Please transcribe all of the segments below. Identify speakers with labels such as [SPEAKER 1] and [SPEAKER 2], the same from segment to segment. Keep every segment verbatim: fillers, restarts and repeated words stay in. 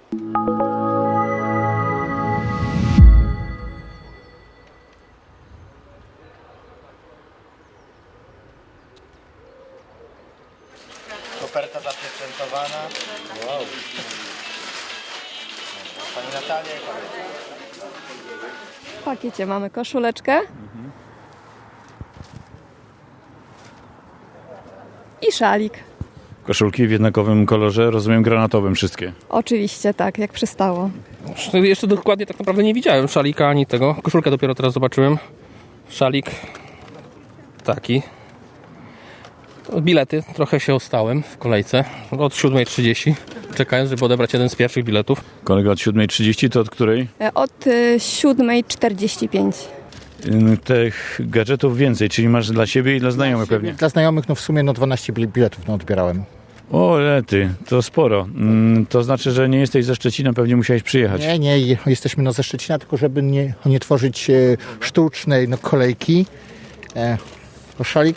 [SPEAKER 1] Koperta zapieczętowana. Wow. Pani Natalia i pani.
[SPEAKER 2] W pakiecie mamy koszuleczkę i szalik.
[SPEAKER 3] Koszulki w jednakowym kolorze, rozumiem granatowym wszystkie.
[SPEAKER 2] Oczywiście tak, jak przystało.
[SPEAKER 4] Jeszcze dokładnie tak naprawdę nie widziałem szalika ani tego. Koszulkę dopiero teraz zobaczyłem. Szalik taki. Bilety, trochę się ostałem w kolejce od siódma trzydzieści, czekając, żeby odebrać jeden z pierwszych biletów.
[SPEAKER 3] Kolega od siódma trzydzieści to od której?
[SPEAKER 2] E, Od y, siódma czterdzieści pięć.
[SPEAKER 3] Ym, Tych gadżetów więcej, czyli masz dla siebie i dla znajomych pewnie.
[SPEAKER 5] Dla znajomych no w sumie no dwanaście bil- biletów no odbierałem.
[SPEAKER 3] O, lety, to sporo. Ym, To znaczy, że nie jesteś ze Szczecina, pewnie musiałeś przyjechać.
[SPEAKER 5] Nie, nie, je- jesteśmy no ze Szczecina, tylko żeby nie, nie tworzyć e, sztucznej no kolejki. E, o szalik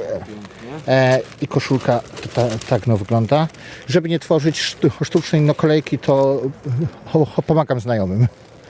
[SPEAKER 5] e, i koszulka to ta, tak no wygląda. Żeby nie tworzyć sztu, sztucznej no kolejki, to o, o, pomagam znajomym.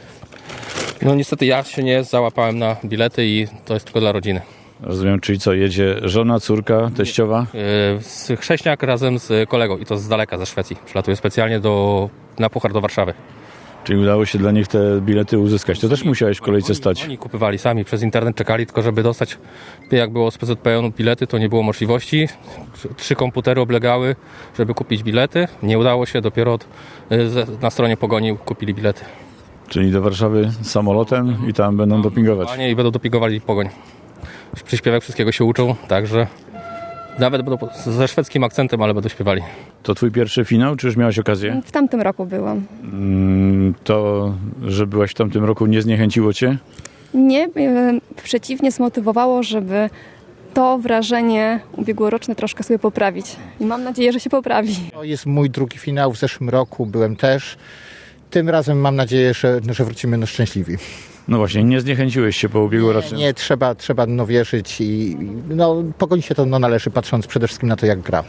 [SPEAKER 4] No niestety ja się nie załapałem na bilety i to jest tylko dla rodziny.
[SPEAKER 3] Rozumiem, czyli co, jedzie żona, córka, teściowa?
[SPEAKER 4] Yy, z Chrześniak razem z kolegą i to z daleka, ze Szwecji. Przylatuję specjalnie do, na Puchar do Warszawy.
[SPEAKER 3] Czyli udało się dla nich te bilety uzyskać. To też musiałeś w kolejce stać.
[SPEAKER 4] Oni kupywali sami, przez internet czekali, tylko żeby dostać, jak było z P Z P N bilety, to nie było możliwości. Trzy komputery oblegały, żeby kupić bilety. Nie udało się, dopiero od, z- na stronie Pogoni kupili bilety.
[SPEAKER 3] Czyli do Warszawy samolotem i tam będą dopingować.
[SPEAKER 4] Panie i będą dopingowali Pogoń. Przy śpiewach wszystkiego się uczą, także nawet będą ze szwedzkim akcentem, ale będą śpiewali.
[SPEAKER 3] To twój pierwszy finał, czy już miałeś okazję?
[SPEAKER 2] W tamtym roku byłam.
[SPEAKER 3] Mm, To, że byłaś w tamtym roku, nie zniechęciło cię?
[SPEAKER 2] Nie, e, przeciwnie, zmotywowało, żeby to wrażenie ubiegłoroczne troszkę sobie poprawić. I mam nadzieję, że się poprawi.
[SPEAKER 5] To jest mój drugi finał, w zeszłym roku byłem też. Tym razem mam nadzieję, że, że wrócimy no szczęśliwi.
[SPEAKER 3] No właśnie, nie zniechęciłeś się po ubiegłorocznym.
[SPEAKER 5] Nie, trzeba, trzeba no wierzyć i no Pogoni się to no należy, patrząc przede wszystkim na to, jak gra.